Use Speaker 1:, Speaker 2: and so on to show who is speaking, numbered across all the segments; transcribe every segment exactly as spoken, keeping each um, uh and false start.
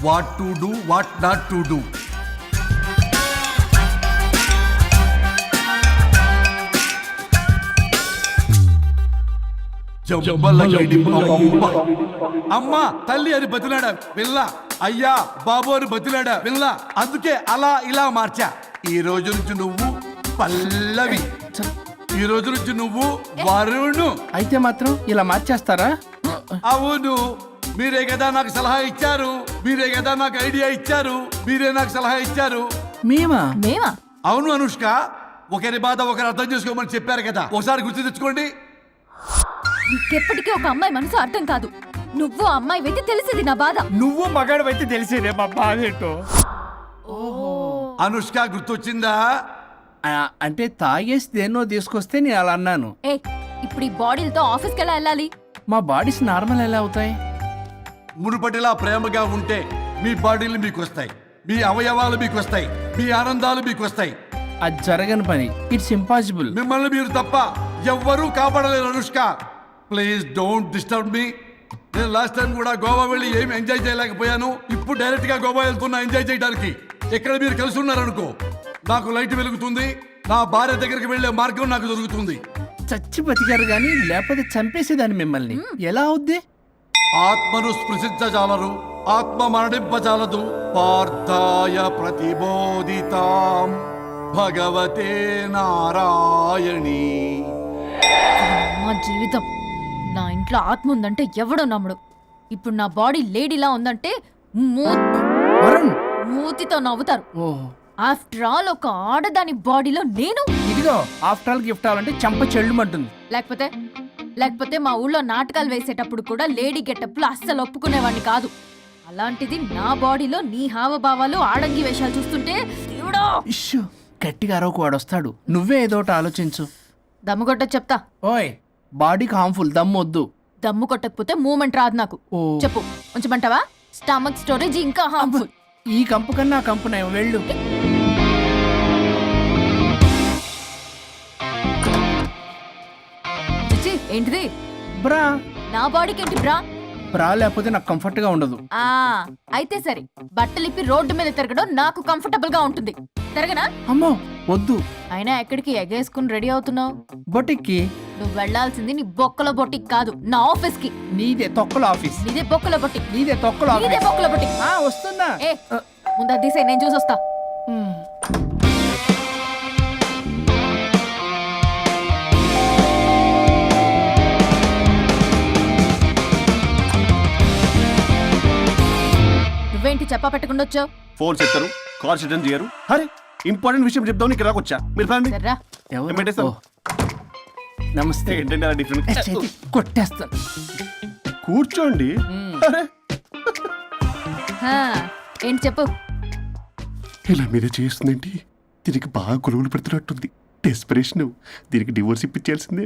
Speaker 1: What to do what not to do. అమ్మ తల్లి అని బతిలాడా విల్ల, అయ్యా బాబు అని బతిలాడా విల్ల. అందుకే అలా ఇలా మార్చా. ఈ రోజు నుంచి నువ్వు పల్లవి, ఈ రోజు నుంచి నువ్వు వరుణు.
Speaker 2: అయితే మాత్రం ఇలా మార్చేస్తారా?
Speaker 1: అవును, మీరే కదా నాకు సలహా ఇచ్చారు, మీరే కదా నాకు ఐడియా ఇచ్చారు, మీరే నాకు సలహా ఇచ్చారు.
Speaker 2: మేమా?
Speaker 3: మేమా?
Speaker 1: అవును అనుష్క, ఒకరి బాధ ఒకరు అర్థం చేసుకోమని చెప్పారు కదా, ఒకసారి గుర్తు తెచ్చుకోండి.
Speaker 3: నీకెప్పటికీ ఒక అమ్మాయి మనసు అర్థం కాదు. నువ్వు అమ్మాయి అయితే తెలిసింది నా బాధ.
Speaker 2: నువ్వు మగాడు అయితే తెలిసేదే మా బాధ ఏంటో.
Speaker 1: అనుష్క గుర్తొచ్చిందా?
Speaker 2: అంటే తాగేసి దేన్నో తీసుకొస్తే నేను అలా అన్నాను.
Speaker 3: ఏ ఇప్పుడు ఈ బాడీలతో ఆఫీస్కి ఎలా వెళ్ళాలి?
Speaker 2: మా బాడీస్ నార్మల్ ఎలా అవుతాయి?
Speaker 1: మునుపటిలా ప్రేమగా ఉంటే మీ బాడీలు మీకు వస్తాయి, మీ అవయవాలు మీకు వస్తాయి, మీ ఆనందాలు మీకు వస్తాయి.
Speaker 2: అది జరగని పని. It's impossible.
Speaker 1: మిమ్మల్ని మీరు తప్ప ఎవ్వరూ కాపాడలేరు Anushka. Please don't disturb me. నేను లాస్ట్ టైం కూడా గోవా వెళ్ళి ఏమి ఎంజాయ్ చేయలేకపోయాను. ఇప్పుడు డైరెక్ట్ గా గోవా వెళ్తున్నా ఎంజాయ్ చేయడానికి. ఎక్కడ మీరు కలిసి ఉన్నారనుకో, నాకు లైట్ వెలుగుతుంది, నా భార్య దగ్గరికి వెళ్లే మార్గం నాకు దొరుకుతుంది.
Speaker 2: చచ్చి బతికారు గాని లేకపోతే చంపేసేదాన్ని మిమ్మల్ని. ఎలా అవుద్ది?
Speaker 1: ఆత్మను స్పృశించజాలరు, ఆత్మ మరణింపజాలదు. పార్థాయ ప్రతిబోధితాం భగవతే నారాయణి.
Speaker 3: మా జీవితం, నా ఇంట్లో ఆత్మ ఉందంటే ఎవడో నమ్ముడు. ఇప్పుడు నా బాడీ లేడీలా ఉందంటే మూ-
Speaker 2: వరుణ్,
Speaker 3: మూతితో నవ్వుతారు.
Speaker 2: ఓహో,
Speaker 3: ఆఫ్టర్ ఆల్ ఒక ఆడదాని బాడీలో నేను.
Speaker 2: ఇదిగో ఆఫ్టర్ ఆల్ గిఫ్ట్ అవ్వాలంటే చంప చెల్లుమంటుంది.
Speaker 3: లేకపోతే లేకపోతే మా ఊళ్ళో నాటకాలు వేసేటప్పుడు కూడా లేడీ గెటప్లు అస్సలు ఒప్పుకునేవాడిని కాదు. అలాంటిది నా బాడీలో నీ హావభావాలు ఆడంగి వేషాలు చూస్తుంటే దేవుడో.
Speaker 2: ఇష్యూ, గట్టిగా అరవకు, వాడు వస్తాడు. నువ్వే ఏదో ఒకటి ఆలోచించు.
Speaker 3: దమ్ము కొట్ట చెప్తా.
Speaker 2: ఓయ్, బాడీకి హార్మ్ఫుల్, దమ్మొద్దు.
Speaker 3: దమ్ము కొట్టకపోతే మూమెంట్ రాదు నాకు.
Speaker 2: ఓ.
Speaker 3: చెప్పు, ఉంచమంటావా? స్టమక్ స్టోరేజ్ ఇంకా హార్మ్ఫుల్.
Speaker 2: ఈ కంపు కన్నా ఆ కంపు నయం, వెళ్ళు.
Speaker 3: చిచ్చి, ఏంటిది?
Speaker 2: బ్రా.
Speaker 3: నా బాడీకి ఏంటి బ్రా?
Speaker 2: బ్రా లేకపోతే నాకు కంఫర్ట్ గా ఉండదు.
Speaker 3: ఆ అయితే సరే, బట్టలిప్పి రోడ్డు మీద తిరగడం నాకు కంఫర్టబుల్ గా ఉంటుంది. తిరగనా?
Speaker 2: అమ్మో వద్దు.
Speaker 3: అయినా ఎక్కడికి ఎగేసుకుని రెడీ అవుతున్నావు?
Speaker 2: బొటిక్కి.
Speaker 3: నువ్వు వెళ్లాల్సింది నీ బొక్కల బొట్టికి కాదు, నా ఆఫీస్ కి.
Speaker 2: నీదే తొక్కల ఆఫీస్.
Speaker 3: నీదే బొక్కల బొట్టి.
Speaker 2: నీదే తొక్కల
Speaker 3: నీదే
Speaker 2: ఆఫీస్.
Speaker 3: బొక్కల బొట్టి.
Speaker 2: ఆ, వస్తున్నా.
Speaker 3: ఏ ముందు అది తీసేయ్, నేను చూసొస్తా.
Speaker 2: మ్.
Speaker 3: నువ్వేంటి చెప్పా పెట్టకుండా వచ్చావు?
Speaker 4: ఫోన్ చెప్తారు, కాల్ రిటర్న్ చేయరు. అరే ఇంపార్టెంట్ విషయం చెప్దాం ఇక్కడ వచ్చా. మీరు ఫ్యామిలీ
Speaker 3: సర్రా.
Speaker 2: ఎవరు?
Speaker 4: పెట్టేస్తాను.
Speaker 2: ఓ. నమస్తే.
Speaker 4: ఏంటంటే అలా డిఫరెంట్.
Speaker 2: ఏ, చేతి కొట్టేస్తాను.
Speaker 4: కూర్చోండి. అరే
Speaker 3: హా, ఏంటి చెప్పు.
Speaker 4: ఇలా మీద చేస్తుందేంటి? దీనికి బాగా గొలుగులు పెడుతున్నట్టుంది. డెస్పిరేషన్. దీనికి డివోర్స్ ఇప్పించాల్సిందే.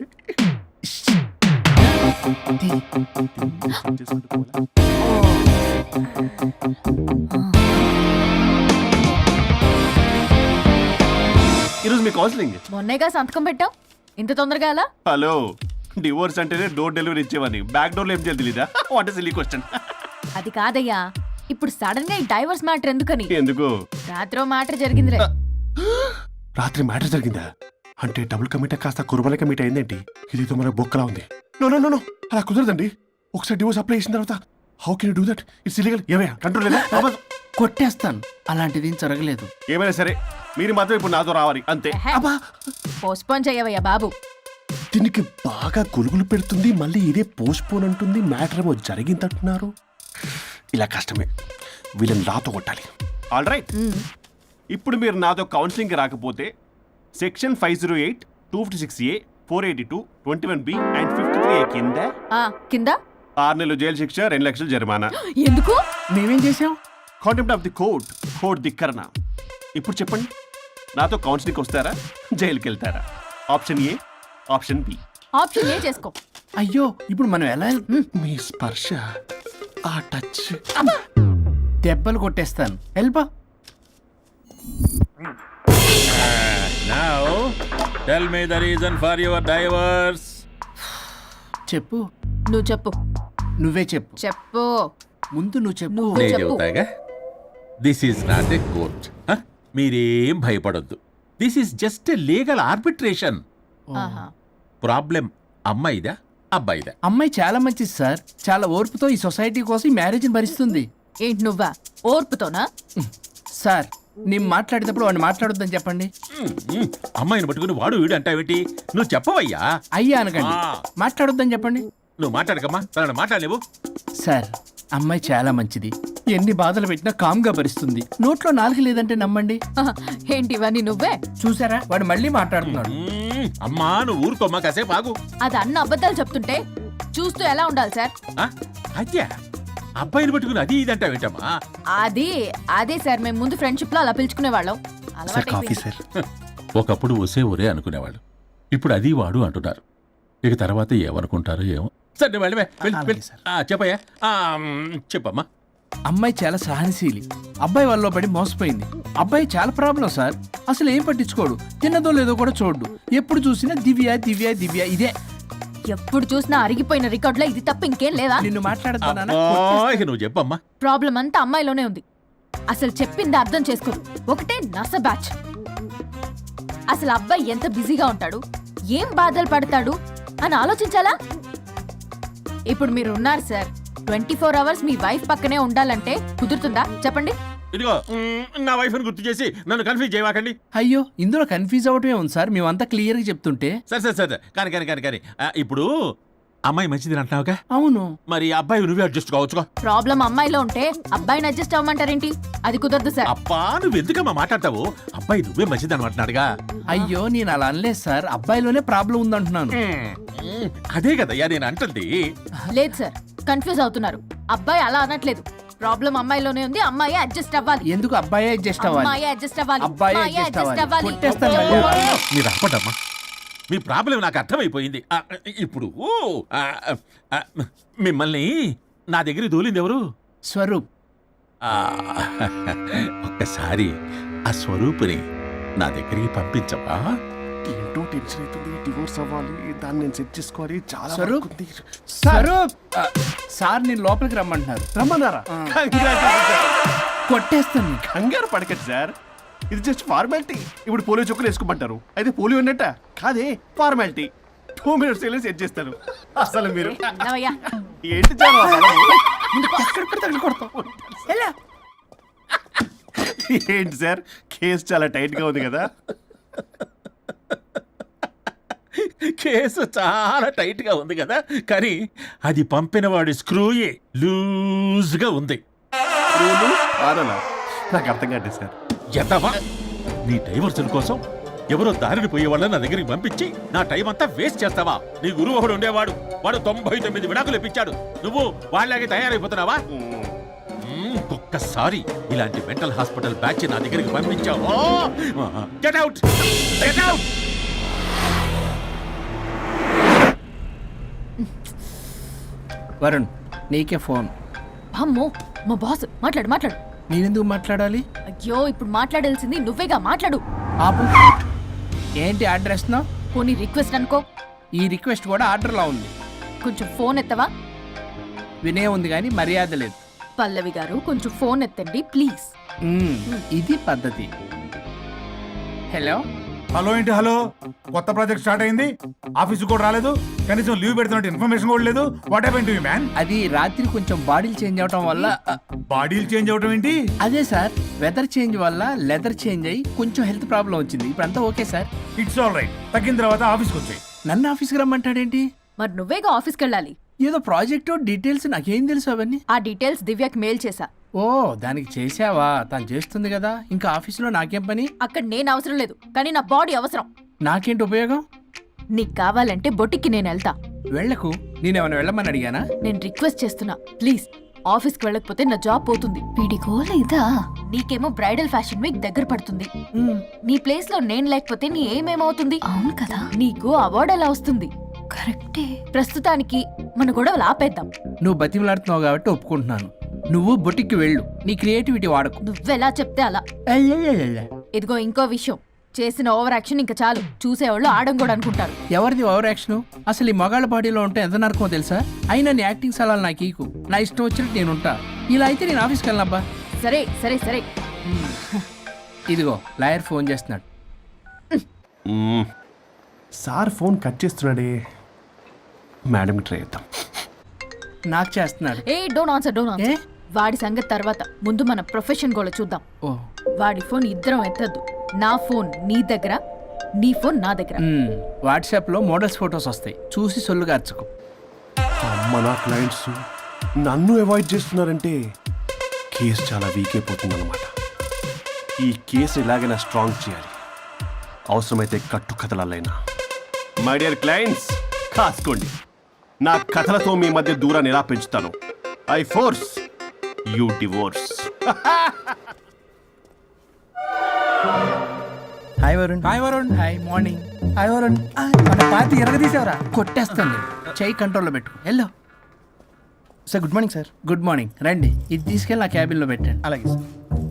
Speaker 4: ఈరోజు మీ కౌన్సిలింగ్.
Speaker 3: మొన్నేగా సంతకం పెట్టావు, ఇంత తొందరగా అలా?
Speaker 4: హలో, డివోర్స్ అంటేనే డోర్ డెలివరీ ఇచ్చేవని బ్యాక్ డోర్ లో ఏం చేయాలి తెలీదా? What is silly question.
Speaker 3: అది కాదయ్యా, ఇప్పుడు సడన్ గా ఈ డైవర్స్ మ్యాటర్ ఎందుకని?
Speaker 4: ఎందుకు?
Speaker 3: రాత్రో మ్యాటర్ జరిగిందిరే.
Speaker 4: రాత్రి మ్యాటర్ జరిగిందా? అంటే డబుల్ కమిట్ కాస్త కుర్బల కమిట్ అయిందేంటి? ఇదేదో మనకు బొక్కలా ఉంది. నో నో నో నో అలా కుదరదండి. ఒకసారి డివోర్స్ అప్లై చేసిన తర్వాత how can you do that? It's illegal. ఏమయ్యా కంట్రోల్ లేదా?
Speaker 2: కొట్టేస్తాను. అలాంటిది ఏం జరగలేదు.
Speaker 4: ఏమైనా సరే మీరు మాత్రం ఇప్పుడు నాతో రావాలి అంతే.
Speaker 2: అబ్బా,
Speaker 3: పోస్ట్పోన్ చేయవయ్యా బాబు.
Speaker 4: దీనికి బాగా గొలుగులు పెడుతుంది, మళ్ళీ ఇదే పోస్ట్ పోన్ అంటుంది. మ్యాటర్ ఏమో జరిగిందంటున్నారు. ఇలా కష్టమే. వీళ్ళని నాతో కొట్టాలి. ఆల్ రైట్, ఇప్పుడు మీరు నాతో కౌన్సిలింగ్కి రాకపోతే section five zero eight two fifty six A four eighty two twenty one B and fifty three A కింద
Speaker 3: ఆ కింద
Speaker 4: ఆరు నెలలు జైలు శిక్ష, రెండు లక్షలు జరిమానా.
Speaker 3: ఎందుకు?
Speaker 2: మేమేం చేసాం?
Speaker 4: Contempt of the court, court ధిక్కరణ. ఇప్పుడు చెప్పండి, నాతో కౌన్సిలింగ్కి వస్తారా, జైలుకి వెళ్తారా? Option A, option B.
Speaker 3: Option A చేసుకో.
Speaker 2: అయ్యో, ఇప్పుడు మనం ఎలా వెళ్తాం?
Speaker 4: మీ స్పర్శ, ఆ టచ్.
Speaker 2: దెబ్బలు కొట్టేస్తాను. వెళ్ళిపో.
Speaker 5: Now, tell me the reason for your divorce.
Speaker 2: చెప్పు.
Speaker 3: నువ్వు చెప్పు.
Speaker 2: నువ్వే చెప్పు.
Speaker 3: చెప్పు.
Speaker 2: ముందు నువ్వు చెప్పు.
Speaker 3: నువ్వే
Speaker 5: నేను
Speaker 3: చెప్పు.
Speaker 5: చెబుతాగా. This is not a court. మీరేం భయపడొద్దు. This is just a legal arbitration.
Speaker 3: ఆహా.
Speaker 5: ప్రాబ్లం అమ్మాయిదా అబ్బాయిదా?
Speaker 2: అమ్మాయి చాలా మంచిది సార్. చాలా ఓర్పుతో ఈ సొసైటీ కోసం ఈ మ్యారేజ్ని భరిస్తుంది.
Speaker 3: ఏంటి నువ్వా ఓర్పుతోనా?
Speaker 2: సార్ నేను మాట్లాడేటప్పుడు వాడిని మాట్లాడొద్దని చెప్పండి.
Speaker 5: మ్మ్, మ్మ్. అమ్మాయిని పట్టుకుని వాడు వీడు అంటావేంటి? నువ్వు చెప్పవయ్యా.
Speaker 2: అయ్యా అనకండి,
Speaker 5: ఆ.
Speaker 2: మాట్లాడొద్దని చెప్పండి.
Speaker 5: నువ్వు మాట్లాడకమ్మా, తనను మాట్లాడలేవు.
Speaker 2: సార్ అమ్మాయి చాలా మంచిది. ఎన్ని బాధలు పెట్టినా కామ్గా భరిస్తుంది. నోట్లో నాలుగు లేదంటే నమ్మండి.
Speaker 3: ఆహా. ఏంటి ఇవన్నీ నువ్వే?
Speaker 2: చూసారా వాడు మళ్ళీ మాట్లాడుతున్నాడు.
Speaker 5: మ్మ్, అమ్మా నువ్వు ఊరుకోమ్మా, కాసేపు ఆగు.
Speaker 3: అది అన్న అబద్ధాలు చెప్తుంటే చూస్తూ ఎలా ఉండాలి సార్?
Speaker 5: ఆ, అద్యా అబ్బాయిని పట్టుకుని అది ఇది అంటావేంటమ్మా?
Speaker 3: అది అదే సార్, మేము ముందు ఫ్రెండ్షిప్ లో అలా పిలుచుకునే వాళ్ళం.
Speaker 4: Sir coffee sir.
Speaker 5: ఒకప్పుడు ఒసే ఒరే అనుకునేవాళ్ళు, ఇప్పుడు అది వాడు అంటున్నారు. ఇక తర్వాత ఏమనుకుంటారో ఏమో. సరే వెళ్ళవే, వెళ్ళి,
Speaker 2: అలాగే
Speaker 5: వెళ్ళి.
Speaker 2: సార్.
Speaker 5: ఆ, చెప్పయ్యా. ఆ, మ్, చెప్పమ్మా.
Speaker 2: అమ్మాయి చాలా సహనశీలి. అబ్బాయి వాళ్ళలో పడి మోసపోయింది. అబ్బాయి చాలా ప్రాబ్లం సార్. అసలు ఏం పట్టించుకోడు. తిన్నదో లేదో కూడా చూడు. ఎప్పుడు చూసినా దివ్య దివ్య దివ్య ఇదే.
Speaker 3: ఎప్పుడు చూసినా అరిగిపోయిన రికార్డ్ లో ఇది తప్ప ఇంకేం లేదా?
Speaker 2: నిన్ను మాట్లాడతానా?
Speaker 5: అబ్బా, ఇక నువ్వు చెప్పమ్మా.
Speaker 3: ప్రాబ్లం అంతా అమ్మాయిలోనే ఉంది. అసలు చెప్పింది అర్థం చేసుకోరు. ఒకటే నస బ్యాచ్. అసలు అబ్బాయి ఎంత బిజీగా ఉంటాడు, ఏం బాధలు పడతాడు అని ఆలోచించాలా? ఇప్పుడు మీరు ఉన్నారు సార్, ట్వంటీ ఫోర్ అవర్స్ మీ వైఫ్ పక్కనే ఉండాలంటే కుదురుతుందా చెప్పండి?
Speaker 5: ఇదిగో మ్, నా వైఫ్ని గుర్తు చేసి నన్ను కన్ఫ్యూజ్ చేయవాకండి.
Speaker 2: అయ్యో ఇందులో కన్ఫ్యూజ్ అవటమే ఉంది సార్. మేమంతా క్లియర్ గా చెప్తుంటే.
Speaker 5: సరే సరే సరే కానీ కానీ కానీ కానీ ఆ, ఇప్పుడు అమ్మాయి మంచిది అంటున్నావుగా,
Speaker 2: అవును.
Speaker 5: మరి అబ్బాయి నువ్వే అడ్జస్ట్ కావచ్చుగా.
Speaker 3: ప్రాబ్లం అమ్మాయిలో ఉంటే అబ్బాయిని అడ్జస్ట్ అవ్వమంటారేంటి? అది కుదరదు సార్.
Speaker 5: అబ్బా నువ్వు ఎందుకమ్మా మాట్లాడతావు? అబ్బాయి నువ్వే మంచిది అనమాటున్నాడుగా.
Speaker 2: అయ్యో నేను అలా అనలేదు సార్. అబ్బాయిలోనే ప్రాబ్లం ఉందంటున్నాను.
Speaker 5: మ్, అదే కదయ్యా నేను అంటుంది.
Speaker 3: లేదు సార్, కన్ఫ్యూజ్ అవుతున్నారు. అబ్బాయి అలా అనట్లేదు. ప్రాబ్లం అమ్మాయిలోనే ఉంది. అమ్మాయి అడ్జస్ట్ అవ్వాలి.
Speaker 2: ఎందుకు అబ్బాయి అడ్జస్ట్ అవ్వాలి?
Speaker 3: అమ్మాయి అడ్జస్ట్ అవ్వాలి.
Speaker 2: అబ్బాయి
Speaker 3: అమ్మాయి
Speaker 2: adjust
Speaker 3: adjust
Speaker 2: అవ్వాలి.
Speaker 3: అవ్వాలి.
Speaker 2: కొట్టేస్తాను
Speaker 3: అబ్బో.
Speaker 2: మళ్ళీ.
Speaker 5: మీరు ఆపటమ్మా, మీ ప్రాబ్లం నాకు అర్థమైపోయింది. ఆ, ఇప్పుడు ఆ, ఆ, మిమ్మల్ని నా దగ్గర దూలింది ఎవరు?
Speaker 2: స్వరూప్.
Speaker 5: ఆ, ఒక్కసారి ఆ స్వరూపుని నా దగ్గరికి పంపించవా?
Speaker 4: ఏంటో టెన్షన్ అవుతుంది. డివోర్స్ అవ్వాలి, దాన్ని నేను సెట్ చేసుకోవాలి. చాలా
Speaker 2: స్వరూప్?
Speaker 4: work ఉంది.
Speaker 2: స్వరూప్ ఆ, సార్ నేను లోపలికి రమ్మంటున్నారు.
Speaker 4: రమ్మన్నారా? Congratulations, sir.
Speaker 2: కొట్టేస్తాను.
Speaker 4: కంగారు పడకండి సార్, ఇది జస్ట్ ఫార్మాలిటీ. ఇప్పుడు పోలియో చుక్కలు వేసుకోమంటారు, అయితే పోలియో ఉన్నట్ట కాదే, ఫార్మాలిటీ. టూ మినిట్స్ వెళ్ళి సెట్ చేస్తారు. అసలు మీరు
Speaker 3: నవయ్య,
Speaker 4: ఏంటి చాలా
Speaker 2: ఎలా?
Speaker 4: ఏంటి సార్, కేసు చాలా టైట్ గా ఉంది కదా.
Speaker 5: కేసు చాలా టైట్ గా ఉంది కదా, కానీ అది పంపిన వాడి స్క్రూయే లూజ్ గా ఉంది.
Speaker 4: రూలు ఆరలా నాకు అర్థం కాదు సార్.
Speaker 5: ఎదవా, నీ డైవర్సన్ కోసం ఎవరో దారిని పోయే వాళ్ళని నా దగ్గరికి పంపించి నా టైం అంతా వేస్ట్ చేస్తావా? నీ గురువు ఒకడు ఉండేవాడు, వాడు తొంభై తొమ్మిది విడాకులు ఇప్పించాడు. నువ్వు వాళ్ళకి తయారైపోతున్నావా? మ్మ్, ఒక్కసారి ఇలాంటి మెంటల్ హాస్పిటల్ బ్యాచ్ నా దగ్గరికి పంపించావు. Get out, get out.
Speaker 2: Varun నీకే ఫోన్.
Speaker 3: అమ్మో మా బాస్. మాట్లాడు మాట్లాడు.
Speaker 2: నేనెందుకు మాట్లాడాలి?
Speaker 3: అయ్యో ఇప్పుడు మాట్లాడాల్సింది నువ్వేగా, మాట్లాడు.
Speaker 2: ఆపు. ఏంటి ఆర్డర్ ఇస్తున్నావు?
Speaker 3: పోనీ రిక్వెస్ట్ అనుకో.
Speaker 2: ఈ రిక్వెస్ట్ కూడా ఆర్డర్లా ఉంది.
Speaker 3: కొంచెం ఫోన్ ఎత్తవా?
Speaker 2: వినే ఉంది కానీ మర్యాద లేదు.
Speaker 3: పల్లవి గారు కొంచెం ఫోన్ ఎత్తండి ప్లీజ్.
Speaker 2: మ్మ్, ఇది పద్ధతి. హలో.
Speaker 6: హలో ఏంటి హలో? కొత్త ప్రాజెక్ట్ స్టార్ట్ అయింది, ఆఫీసు కూడా రాలేదు, కనీసం లీవ్ పెడుతున్నట్టు ఇన్ఫర్మేషన్ కూడా లేదు. What happened to you man?
Speaker 2: అది రాత్రి కొంచెం బాడీలు చేంజ్ అవటం వల్ల అ,
Speaker 6: బాడీలు చేంజ్ అవటం ఏంటి?
Speaker 2: అదే సార్, వెదర్ చేంజ్ వల్ల లెదర్ చేంజ్ అయ్యి కొంచెం హెల్త్ ప్రాబ్లం వచ్చింది. ఇప్పుడంతా okay sir.
Speaker 6: It's all right. తగ్గిన తర్వాత ఆఫీస్కి వచ్చాయి.
Speaker 2: నన్ను ఆఫీస్కి రమ్మంటాడేంటి?
Speaker 3: మరి నువ్వేగా ఆఫీస్కి వెళ్ళాలి.
Speaker 2: ఏదో ప్రాజెక్టు డీటెయిల్స్ నాకేం తెలుసు అవన్నీ.
Speaker 3: ఆ డీటెయిల్స్ దివ్యకి మెయిల్ చేశా.
Speaker 2: ఓ దానికి చేసావా? తను చేస్తుంది కదా, ఇంకా ఆఫీసులో నాకేం పని?
Speaker 3: అక్కడ నేను అవసరం లేదు, కానీ నా బాడీ అవసరం.
Speaker 2: నాకేంటి ఉపయోగం?
Speaker 3: నీకు కావాలంటే బొటిక్కి నేను వెళ్తా.
Speaker 2: వెళ్లకు. నేనేమైనా వెళ్ళమని అడిగానా?
Speaker 3: నేను రిక్వెస్ట్ చేస్తున్నా ప్లీజ్. ఆఫీస్కి వెళ్ళకపోతే నా జాబ్ పోతుంది. వీడికో లేదా? నీకేమో బ్రైడల్ ఫ్యాషన్ వీక్ దగ్గర పడుతుంది.
Speaker 2: మ్మ్.
Speaker 3: నీ ప్లేస్ లో నేను లేకపోతే నీ ఏమేమవుతుంది? అవును కదా. నీకు అవార్డు ఎలా వస్తుంది? కరెక్టే. ప్రస్తుతానికి మన గొడవలు ఆపేద్దాం.
Speaker 2: నువ్వు బతిమలాడుతున్నావు కాబట్టి ఒప్పుకుంటున్నాను. నువ్వు బొటిక్కి వెళ్ళు, నీ క్రియేటివిటీ వాడకు.
Speaker 3: నువ్వెలా చెప్తే అలా.
Speaker 2: అయ్యయ్యయ్యయ్య.
Speaker 3: ఇదిగో ఇంకో విషయం, చేసిన ఓవర్ యాక్షన్ ఇంకా చాలు. చూసేవాళ్ళు ఆడం కూడా అనుకుంటారు.
Speaker 2: ఎవరిది ఓవర్ యాక్షన్? అసలు ఈ మగాళ్ళ పార్టీలో ఉంటే ఎంత నరకమో తెలుసా? అయినా నీ యాక్టింగ్ సలాలు నాకు ఈకు. నా ఇష్టం వచ్చినట్టు నేను ఉంటా. ఇలా అయితే నేను ఆఫీస్కి వెళ్ళనబ్బా.
Speaker 3: సరే సరే సరే
Speaker 2: ఇదిగో లాయర్ ఫోన్ చేస్తున్నాడు.
Speaker 4: మ్మ్. సార్ ఫోన్ కట్ చేస్తున్నాడే. మేడం ట్రై చేద్దాం.
Speaker 2: నాకు చేస్తున్నాడు.
Speaker 3: ఏ డోంట్ ఆన్సర్ డోంట్
Speaker 2: ఏ?
Speaker 3: ఆన్సర్ వాడి సంగతి తర్వాత ముందు మన ప్రొఫెషన్ కూడా చూద్దాం.
Speaker 2: ఓ
Speaker 3: వాడి ఫోన్ ఇద్దరం ఎత్తద్దు. నా ఫోన్ నీ దగ్గర, నీ ఫోన్ నా దగ్గర.
Speaker 2: మ్మ్. వాట్సాప్లో మోడల్స్ ఫొటోస్ వస్తాయి, చూసి సొల్లు గార్చుకో.
Speaker 4: అమ్మ నా క్లయింట్స్ నన్ను అవాయిడ్ చేస్తున్నారంటే కేసు చాలా వీక్ అయిపోతుంది అనమాట. ఈ కేసు ఎలాగైనా స్ట్రాంగ్ చేయాలి, అవసరమైతే కట్టు కథలైనా. మై డియర్ క్లయింట్స్, కాసుకోండి. నా కథలతో మీ మధ్య దూరాన్ని ఎలా పెంచుతాను. I force you divorce.
Speaker 7: Hi Varun.
Speaker 2: Hi Varun. Hi morning.
Speaker 7: Hi Varun. మన పార్టీ ఎరగదీసావరా?
Speaker 2: కొట్టేస్తాను. చెయ్యి కంట్రోల్లో పెట్టు. Hello
Speaker 7: sir good morning sir.
Speaker 2: Good morning. రండి, ఇది తీసుకెళ్ళి నా క్యాబిన్లో పెట్టండి.
Speaker 7: అలాగే sir.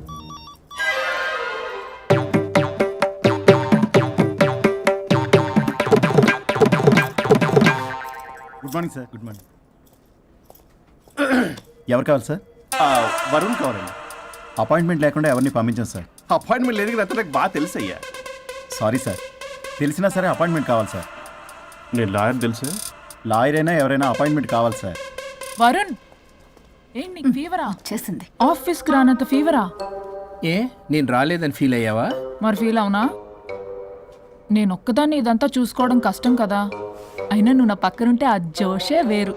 Speaker 7: Good morning sir. Good morning. ఎవరు కావాలి సార్?
Speaker 4: ఆ, వరుణ్ కావాలండి.
Speaker 7: అపాయింట్మెంట్ లేకుండా ఎవరిని పంపించాం సార్.
Speaker 4: అపాయింట్మెంట్ లేదు కదా, నాకు బాగా తెలుసు అయ్యా.
Speaker 7: సారీ సార్, తెలిసినా సరే అపాయింట్మెంట్ కావాలి సార్.
Speaker 4: నేను లాయర్ తెలుసు.
Speaker 7: లాయర్ అయినా ఎవరైనా అపాయింట్మెంట్ కావాలి సార్.
Speaker 8: వరుణ్, ఏంటి నీకు ఫీవరా?
Speaker 3: చేసింది.
Speaker 8: ఆఫీస్కి రానంత ఫీవరా?
Speaker 2: ఏ నేను రాలేదని ఫీల్ అయ్యావా?
Speaker 8: మరి ఫీల్ అవునా? నేను ఒక్కదాన్ని ఇదంతా చూసుకోవడం కష్టం కదా. అయినా నువ్వు నా పక్కనుంటే ఆ జోషే వేరు.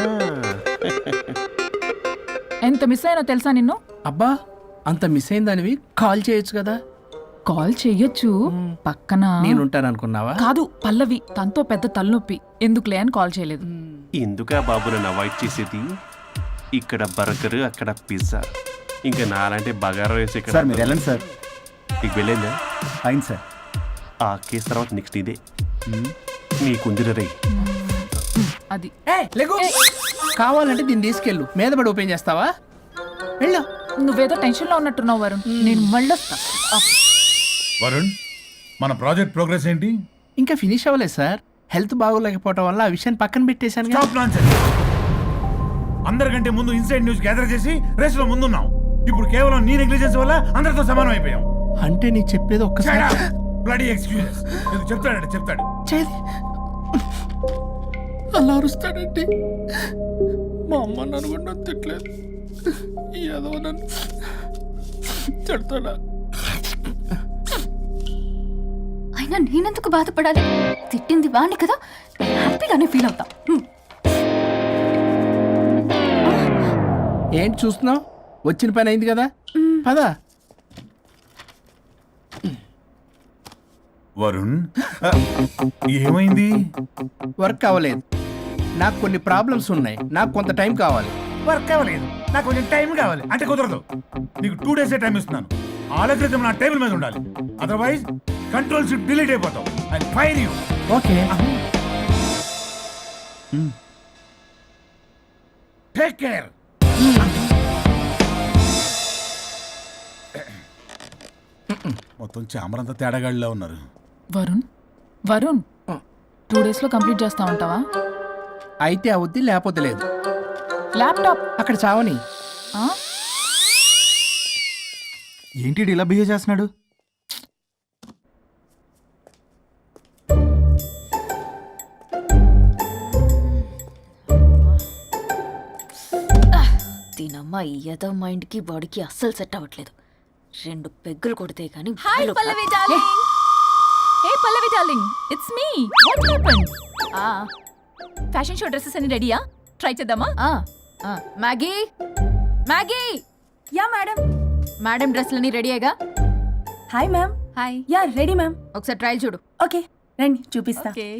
Speaker 8: ఎంత మిస్ అయినా తెలుసా నిన్ను?
Speaker 2: అబ్బా, అంత మిస్ అయిందానివి కాల్ చేయొచ్చు కదా.
Speaker 8: కాల్ చెయ్యొచ్చు, పక్కన
Speaker 2: నేనుంటాను అనుకున్నావా?
Speaker 8: కాదు, పల్లవి తనతో పెద్ద తలనొప్పి, ఎందుకులే అని కాల్ చేయలేదు.
Speaker 4: ఎందుకా బాబు నన్ను అవాయిడ్ చేసేది? ఇక్కడ బర్గర్, అక్కడ పిజ్జా, ఇంకా నాలంటే బగారా వేసి ఇక్కడ.
Speaker 7: సార్ మీరు వెళ్ళండి సార్.
Speaker 4: నీకు వెళ్ళిందా?
Speaker 7: అయింది సార్.
Speaker 4: ఆ కేసు తర్వాత నెక్స్ట్ ఇదే నీకుందిర రే.
Speaker 8: అది
Speaker 2: కావాలంటే దీన్ని తీసుకెళ్ళు, మీద పడి ఓపెన్ చేస్తావా? వెళ్ళు.
Speaker 8: నువ్వేదో టెన్షన్లో ఉన్నట్టున్నావు వరుణ్. నేను మళ్ళొస్తా.
Speaker 6: వరుణ్, మన ప్రాజెక్ట్ ప్రోగ్రెస్ ఏంటి?
Speaker 2: ఇంకా ఫినిష్ అవ్వలేదు సార్. హెల్త్ బాగోలేకపోవడం వల్ల ఆ విషయాన్ని పక్కన పెట్టేశాను.
Speaker 6: Stop nonsense. అందరికంటే ముందు ఇన్సైడ్ న్యూస్ గ్యాదర్ చేసి రేస్ లో ముందున్నాం. ఇప్పుడు కేవలం నీ నెగ్లిజెన్స్ వల్ల అందరితో సమానం అయిపోయాం.
Speaker 2: అంటే నీ చెప్పేది ఒక్కసారి
Speaker 6: బ్లడీ ఎక్స్క్యూజెస్. ఇది చెప్తాడంటే చెప్తాడు.
Speaker 2: చేది అలా అరుస్తాడంటే మా అమ్మ నన్ను కూడా తిట్టలేదు, ఏదో నన్ను చెడతాడా.
Speaker 3: అయినా నేనెందుకు బాధపడాలి? తిట్టింది వాణ్ణి కదా, హ్యాపీగానే ఫీల్ అవుతా. హ్మ్.
Speaker 2: ఏంటి చూస్తున్నావు? వచ్చిన పని అయింది కదా, పదా.
Speaker 6: వరుణ్, ఏమైంది?
Speaker 2: వర్క్ అవ్వలేదు. నాకు కొన్ని ప్రాబ్లమ్స్ ఉన్నాయి, నాకు కొంత టైం కావాలి.
Speaker 6: వర్క్ అవ్వలేదు, నాకు కొంచెం టైం కావాలి అంటే కుదరదు. నీకు టూ డేస్ టైం ఇస్తున్నాను. ఆలోచించడం నా టేబుల్ మీద ఉండాలి. అదర్వైజ్ కంట్రోల్ షిప్ డిలీట్ అయిపోతావు. I fire you.
Speaker 2: Okay.
Speaker 6: Take care. మొత్తం చామరంతా తేడాగాడిలా ఉన్నారు.
Speaker 8: వరుణ్ వరుణ్ టూ డేస్లో కంప్లీట్ చేస్తా ఉంటావా?
Speaker 2: అయితే అవుద్ది, లేకపోతే లేదు.
Speaker 8: ల్యాప్టాప్
Speaker 2: అక్కడ చావని.
Speaker 8: ఆ?
Speaker 7: ఏంటి ఇలా బిహేవ్ చేస్తున్నాడు?
Speaker 3: దీనమ్మ ఏదో మైండ్కి బాడీకి అస్సలు సెట్ అవ్వట్లేదు. రెండు పెగ్గులు కొడితే కానీ.
Speaker 8: Hi Pallavi darling. Hey Pallavi darling, it's me. What happened?
Speaker 3: ఆ
Speaker 8: ఫ్యాషన్ షో డ్రెస్సెస్ అన్ని రెడీయా? ట్రై చేద్దామా?
Speaker 3: ఆ ఆ Maggie Maggie.
Speaker 9: Yeah madam.
Speaker 3: Madam డ్రెస్లన్నీ రెడీయేగా?
Speaker 9: Hi ma'am.
Speaker 8: Hi.
Speaker 9: Yeah ready ma'am.
Speaker 3: ఒకసారి ట్రయల్ చూడు.
Speaker 9: ఓకే రండి చూపిస్తా.
Speaker 8: ఓకే.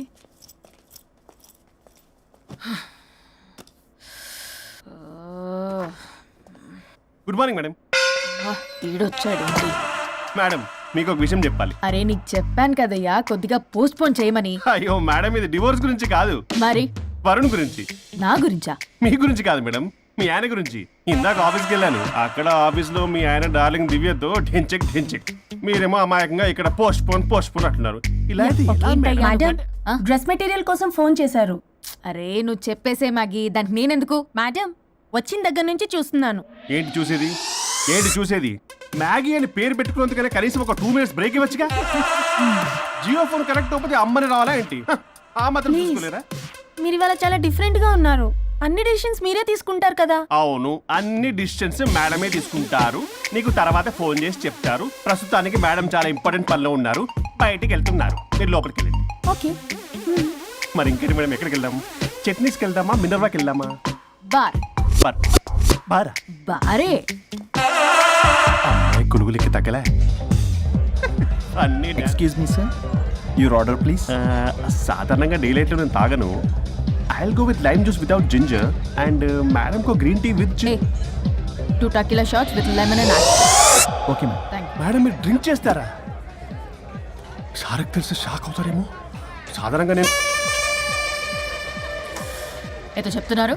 Speaker 4: Good morning madam.
Speaker 3: వీడొచ్చాడు.
Speaker 4: మేడం మీకు ఒక విషయం చెప్పాలి.
Speaker 3: అరే నీకు చెప్పాను కదయ్యా కొద్దిగా పోస్ట్ పోన్ చేయమని.
Speaker 4: అయ్యో మేడం, ఇది డివోర్స్ గురించి కాదు,
Speaker 3: మరి
Speaker 4: వరుణ్ గురించి.
Speaker 3: నా గురించా?
Speaker 4: మీ గురించి కాదు మేడం, మీ ఆయన గురించి. ఇందాక ఆఫీస్కి వెళ్ళాను. అక్కడ ఆఫీస్లో మీ ఆయన డార్లింగ్ దివ్యతో ఢెంచెక్ ఢెంచెక్, మీరేమో అమాయకంగా ఇక్కడ పోస్ట్ పోన్ పోస్ట్ పోన్ అంటున్నారు. ఇలా అయితే ఎలా మేడం?
Speaker 9: మేడం
Speaker 3: ఆ?
Speaker 9: డ్రెస్ మెటీరియల్ కోసం ఫోన్ చేశారు.
Speaker 3: అరే నువ్వు చెప్పేసే మ్యాగీ, దానికి నేనెందుకు?
Speaker 9: మేడం వచ్చిన దగ్గర నుంచి చూస్తున్నాను.
Speaker 4: ఏంటి చూసేది? ఏంటి చూసేది? మ్యాగీ అని పేరు పెట్టుకున్నందుకనే కనీసం ఒక టూ మినిట్స్ బ్రేక్ ఇవ్వచ్చుగా. జియో ఫోన్ కనెక్ట్ అవ్వకపోతే అమ్మని రావాలా ఏంటి? హ, ఆ మాత్రం
Speaker 9: Please.
Speaker 4: చూసుకోలేరా?
Speaker 9: మీరు ఇవాళ చాలా డిఫరెంట్ గా ఉన్నారు. అన్ని డెసిషన్స్ మీరే తీసుకుంటారు కదా.
Speaker 4: అవును, అన్ని డిస్టెన్స్ మేడమే తీసుకుంటారు. నీకు తర్వాత ఫోన్ చేసి చెప్తారు. ప్రస్తుతానికి మేడం చాలా ఇంపార్టెంట్ పనిలో ఉన్నారు, బయటికి వెళ్తున్నారు. మీరు లోపలికి వెళ్ళండి.
Speaker 9: ఓకే.
Speaker 4: మరి ఇంకేంటి మేడం, ఎక్కడికి వెళ్దాం? చట్నీస్కి వెళ్దామా, మినర్వాకి వెళ్దామా?
Speaker 3: బార్
Speaker 4: బార్ బారా?
Speaker 3: బారే
Speaker 4: అమ్మాయి కొనుగోలుకి తగ్గలే. అన్ని డా-
Speaker 7: excuse me sir, your order please.
Speaker 4: ఆ, సాధారణంగా డే లైట్లో నేను తాగను. I will go with lime juice without ginger and madam కో green tea with
Speaker 3: a two tequila shots with lemon and
Speaker 7: okay ma'am.
Speaker 3: Thank
Speaker 4: madam మీరు డ్రింక్ చేస్తారా? సార్కి తెలిసి షాక్ అవుతారేమో. సాధారణంగా నేను
Speaker 3: ఏదో చెప్తున్నారు.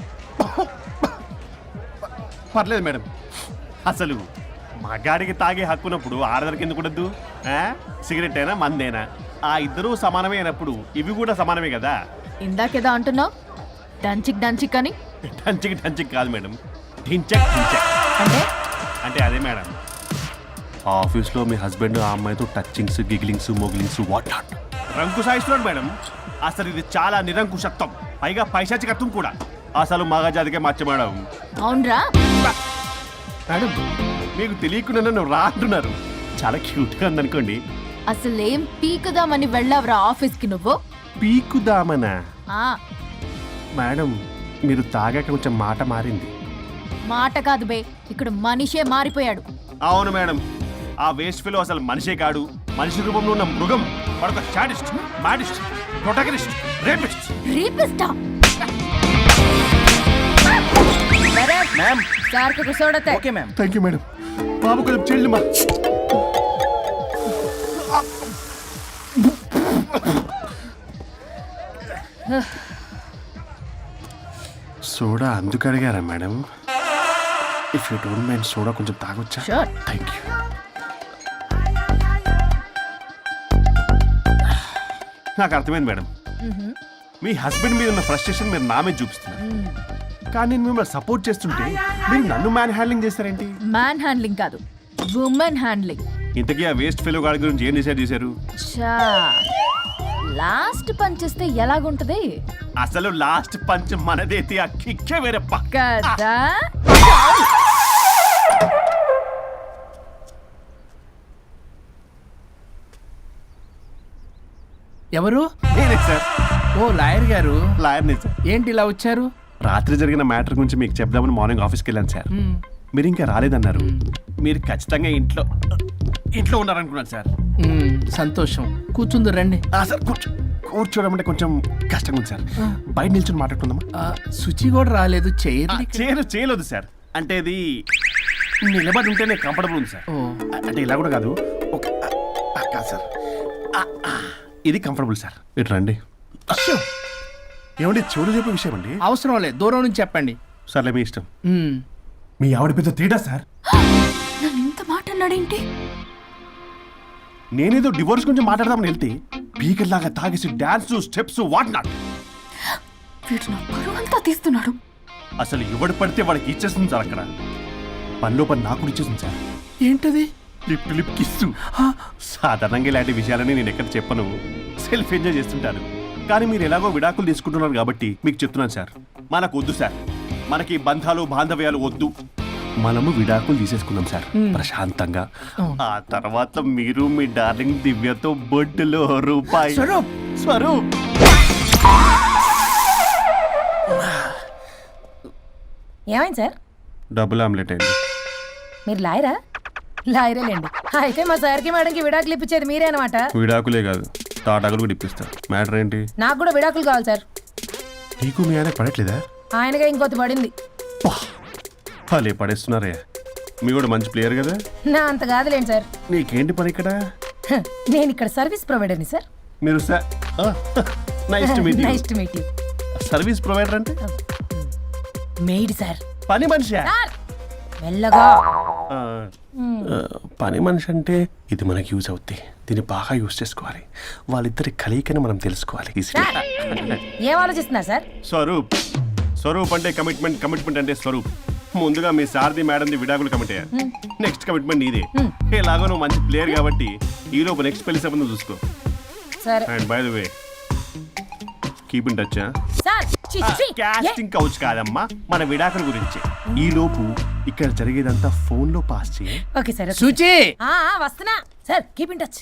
Speaker 4: పర్లేదు మేడం. అసలు మగాడికి తాగే హక్కున్నప్పుడు ఆడదానికి ఎందుకు ఉండద్దు? ఆ? సిగరెట్ అయినా మందేనా ఆ ఇద్దరూ సమానమే అయినప్పుడు ఇవి కూడా సమానమే కదా.
Speaker 3: ఇందాకేదో అంటున్నావు డంచిక్ డంచిక్ అని.
Speaker 4: టంచిక్ టంచిక్ కాదు మేడం, ఢించక్ ఢించక్.
Speaker 3: అంటే
Speaker 4: అంటే అదే మేడం, ఆఫీస్లో మీ హస్బెండ్ ఆ అమ్మాయితో టచ్చింగ్స్ గిగ్లింగ్స్ మోగిలింగ్స్ వాట్ నాట్ రంకు సాయిస్తున్నాడు మేడం. అసలు ఇది చాలా నిరంకుశత్వం, పైగా పైశాచికత్వం కూడా. అసలు మగజాతికే మచ్చ మేడం.
Speaker 3: అవునరా.
Speaker 4: మేడం మీకు తెలియకుండా నన్ను రా అంటున్నారు. చాలా క్యూట్గా ఉందనుకోండి.
Speaker 3: అసలేం పీకుదామని వెళ్ళావురా ఆఫీస్కి నువ్వు.
Speaker 4: పీకుదామనా?
Speaker 3: ఆ
Speaker 4: మేడం మీరు తాగాక కొంచెం మాట మారింది.
Speaker 3: మాట కాదు బే, ఇక్కడ మనిషే మారిపోయాడు.
Speaker 4: అవును మేడం, ఆ వేస్ట్ ఫెలో అసలు మనిషే కాడు, మనిషి రూపంలో ఉన్న మృగం. వాడొక షాడిస్ట్, మాడిస్ట్, ప్రొటగనిస్ట్, రేపిస్ట్.
Speaker 3: రీపిస్టా
Speaker 7: మ్యామ్.
Speaker 3: సార్ కు సోడతే.
Speaker 7: Okay ma'am.
Speaker 4: Thank you madam. బాబు కొంచెం చెల్లి మా సోడా అందుకు అడిగారా madam? If you don't mind soda కొంచెం తాగొచ్చా?
Speaker 3: Sure.
Speaker 4: Thank you. నాకు అర్థమైంది మేడం, మీ హస్బెండ్ మీద ఉన్న ఫ్రస్ట్రేషన్ మీరు నా మీద చూపిస్తున్నారు. కానీ నేను మిమ్మల్ని సపోర్ట్ చేస్తుంటే మీరు నన్ను మ్యాన్ హ్యాండ్లింగ్ చేస్తారేంటి?
Speaker 3: మ్యాన్ హ్యాండ్లింగ్ కాదు, ఉమెన్ హ్యాండ్లింగ్.
Speaker 4: ఇంతకీ ఆ వేస్ట్ ఫెలో గాడి గురించి ఏం డిసైడ్ చేశారు?
Speaker 3: చా లాస్ట్ పని చేస్తే ఎలాగుంటది
Speaker 4: అసలు లాస్ట్ పంచ్ మనదైతే ఆ కిక్కే వేరే పక్క.
Speaker 3: కదా.
Speaker 2: ఎవరు?
Speaker 4: నేనే సార్,
Speaker 2: ఓ లాయర్ గారు,
Speaker 4: లాయర్నే సార్.
Speaker 2: ఏంటి ఇలా వచ్చారు?
Speaker 4: రాత్రి జరిగిన మ్యాటర్ గురించి మీకు చెప్దామని మార్నింగ్ ఆఫీస్కి వెళ్ళాను సార్. మీరు ఇంకా రాలేదన్నారు. మీరు ఖచ్చితంగా ఇంట్లో ఇంట్లో ఉన్నారనుకున్నాను సార్.
Speaker 2: మ్మ్, సంతోషం. కూర్చుంది రండి.
Speaker 4: ఆ, సార్ కూర్చో కూర్చోవడం అంటే కొంచెం కష్టంగా ఉంది సార్. బయట నిల్చొని మాట్లాడుకుందామా?
Speaker 2: ఆ, శుచి కూడా రాలేదు.
Speaker 4: ఆ,
Speaker 2: చైర్
Speaker 4: చేయలేదు చేయలేదు సార్. అంటే ఇది నిలబడి ఉంటేనే కంఫర్టబుల్ ఉంది సార్.
Speaker 2: ఓ.
Speaker 4: అ- అంటే ఇలా కూడా కాదు, ఒక ఆ, ఆ, కాదు సార్. ఆ, ఆ, ఇది కంఫర్టబుల్ సార్. ఇటు రండి. ఏమండి చెవులు చెప్పే విషయం అండి.
Speaker 2: అవసరం లేదు, దూరం నుంచి చెప్పండి.
Speaker 4: సర్లే మీ ఇష్టం.
Speaker 2: మ్మ్.
Speaker 6: మీ ఆవిడ పెద్ద తేడా సార్.
Speaker 3: నన్ను ఇంత మాట అన్నాడేంటి?
Speaker 4: నేనేదో డివోర్స్ గురించి మాట్లాడదామని వెళ్తే పీకర్ లాగా తాగేసి డాన్స్ స్టెప్స్ వాట్ నాట్.
Speaker 3: వీడు నా పరువు అంతా తీస్తున్నాడు.
Speaker 4: అసలు ఎవడు పడితే వాడికి ఇచ్చేస్తుంది సార్. అక్కడ పనిలో పని నాకు కూడా ఇచ్చేస్తుంది సార్.
Speaker 2: ఏంటది?
Speaker 4: Lip lip kiss. సాధారణంగా ఇలాంటి విషయాలని నేను ఎక్కడ చెప్పను, సెల్ఫ్ ఎంజాయ్ చేస్తుంటాను. కానీ మీరు ఎలాగో విడాకులు తీసుకుంటున్నారు కాబట్టి మీకు చెప్తున్నాను సార్, మనకు వద్దు సార్. మనకి బంధాలు బాంధవ్యాలు వద్దు. మనము విడాకులు తీసేసుకుందాం సార్ ప్రశాంతంగా. ఆ తర్వాత మీరు మీ డార్లింగ్ దివ్యతో బొడ్డులో రూపాయి
Speaker 2: స్వరూప్.
Speaker 4: స్వరూప్
Speaker 9: ఏమైంది సార్?
Speaker 4: డబుల్ ఆమ్లెట్ అయింది.
Speaker 9: మీరు లాయరా? లాయరేలేండి. అయితే మా సార్కి మేడంకి విడాకులు ఇప్పించేది మీరే అనమాట.
Speaker 4: విడాకులే కాదు, తాటాకులు కూడా ఇప్పిస్తారు. మ్యాటర్ ఏంటి?
Speaker 9: నాకు కూడా విడాకులు కావాలి సార్.
Speaker 4: నీకు మీ ఆయన పడట్లేదా?
Speaker 9: ఆయనగా ఇంకోటి పడింది.
Speaker 4: వాళ్ళే పడేస్తున్నారే. మీ కూడా మంచి ప్లేయర్ కదా.
Speaker 9: నా అంత కాదులేండి సార్.
Speaker 4: నీకేంటి పని ఇక్కడ?
Speaker 9: హ, నేను ఇక్కడ సర్వీస్ ప్రొవైడర్ని సార్.
Speaker 4: మీరు nice to meet
Speaker 9: nice to meet you.
Speaker 4: Service provider అంటే
Speaker 9: మెయిడ్ సార్.
Speaker 4: పని మనిషి.
Speaker 9: సార్ మెల్లగా.
Speaker 4: పని మనిషి అంటే ఇది మనకి యూజ్ అవుద్ది. దీన్ని బాగా యూజ్ చేసుకోవాలి. వాళ్ళిద్దరి కలయికని మనం తెలుసుకోవాలి.
Speaker 9: సార్ ఏం ఆలోచిస్తున్నారు సార్?
Speaker 4: స్వరూప్. స్వరూప్ అంటే కమిట్మెంట్, కమిట్మెంట్ అంటే స్వరూప్. ముందుగా మీ సారథి మేడంది విడాకులు కమిటీ నెక్స్ట్ కమిట్మెంట్ నీదే ఎలాగో నువ్వు మంచి ప్లేయర్ కాబట్టి ఈ లోపు నెక్స్ట్ పెళ్లి సంబంధం చూసుకో
Speaker 9: సరే
Speaker 4: and by the way keep in touch
Speaker 9: sir చి, చి.
Speaker 4: కాస్టింగ్ కౌచ్ కాదమ్మా మన విడాకుల గురించి ఈ లోపు ఇక్కడ జరిగేదంతా ఫోన్ లో పాస్ చేయి
Speaker 9: ఓకే సార్ ఓకే.
Speaker 2: సూచి
Speaker 9: ఆ, ఆ, వస్తున్నా సార్ కీప్ ఇన్ టచ్